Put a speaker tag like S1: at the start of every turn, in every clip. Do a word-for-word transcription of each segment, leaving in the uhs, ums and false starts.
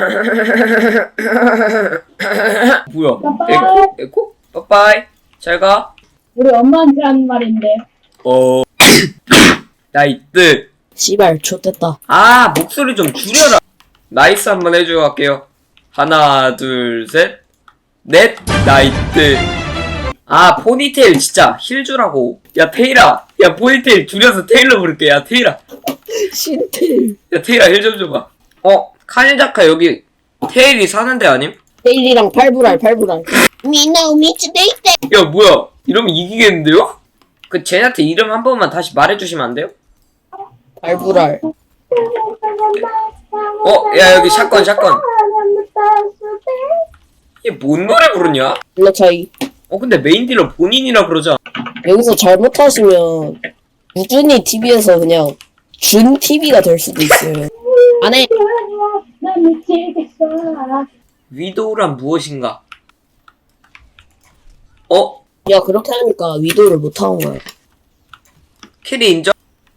S1: 뭐야?
S2: 빠빠이.
S1: 에코? 에코? 빠빠이. 잘 가.
S2: 우리 엄마한테 하는 말인데.
S1: 어. 나이트.
S3: 씨발 좆됐다.
S1: 아, 목소리 좀 줄여라. 나이스 한번 해주고 갈게요. 하나, 둘, 셋. 넷. 나이트. 아, 포니테일 진짜 힐 주라고. 야, 테일아. 야, 포니테일 줄여서 테일러 부를게. 야, 테일아.
S3: 신텔.
S1: 야, 테일아 힐 좀 줘봐. 어, 카니자카 여기 테일이 사는 데 아님?
S3: 테일이랑 팔불알 팔불알. 미나우 미츠데이테.
S1: 야, 뭐야. 이러면 이기겠는데요? 그 쟤한테 이름 한 번만 다시 말해주시면 안 돼요?
S3: 팔불알.
S1: 어, 야, 여기 샷건, 샷건. 얘 뭔 노래 부르냐?
S3: 블러 차이.
S1: 어, 근데 메인 딜러 본인이라 그러자.
S3: 여기서 잘못하시면 우준이 티비에서 그냥 준 티비가 될 수도 있어요. 안해.
S2: 난 미치겠어.
S1: 위도우란 무엇인가? 어?
S3: 야 그렇게 하니까 위도를 못하는 거야.
S1: 캐리 인정?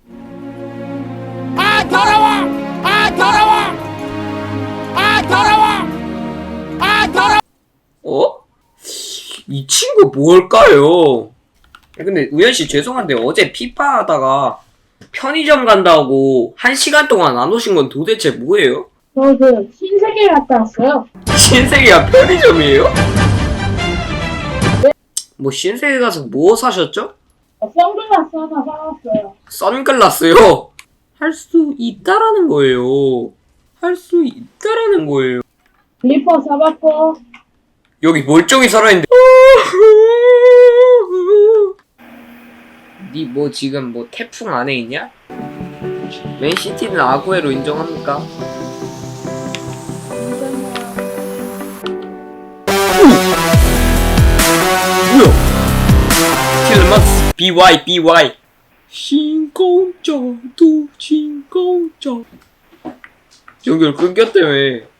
S4: 아 더러워! 아 더러워! 아 더러워! 아 더러워!
S1: 어? 이 친구 뭘까요? 근데 우현씨 죄송한데 어제 피파 하다가 편의점 간다고 한 시간 동안 안 오신 건 도대체 뭐예요?
S2: 저 그 신세계 갔다 왔어요.
S1: 신세계가 편의점이에요? 뭐 신세계 가서 뭐 사셨죠?
S2: 선글라스 하나 사왔어요.
S1: 선글라스요? 할 수 있다라는 거예요. 할 수 있다라는 거예요.
S2: 리퍼 사봤고.
S1: 여기 멀쩡히 살아있는데 니 뭐 지금 뭐 태풍 안에 있냐? 맨시티는 아구에로 인정합니까? 뭐야? 킬러마스 비와이 비와이 신공짜도 신공짜 연결 끊겼다며.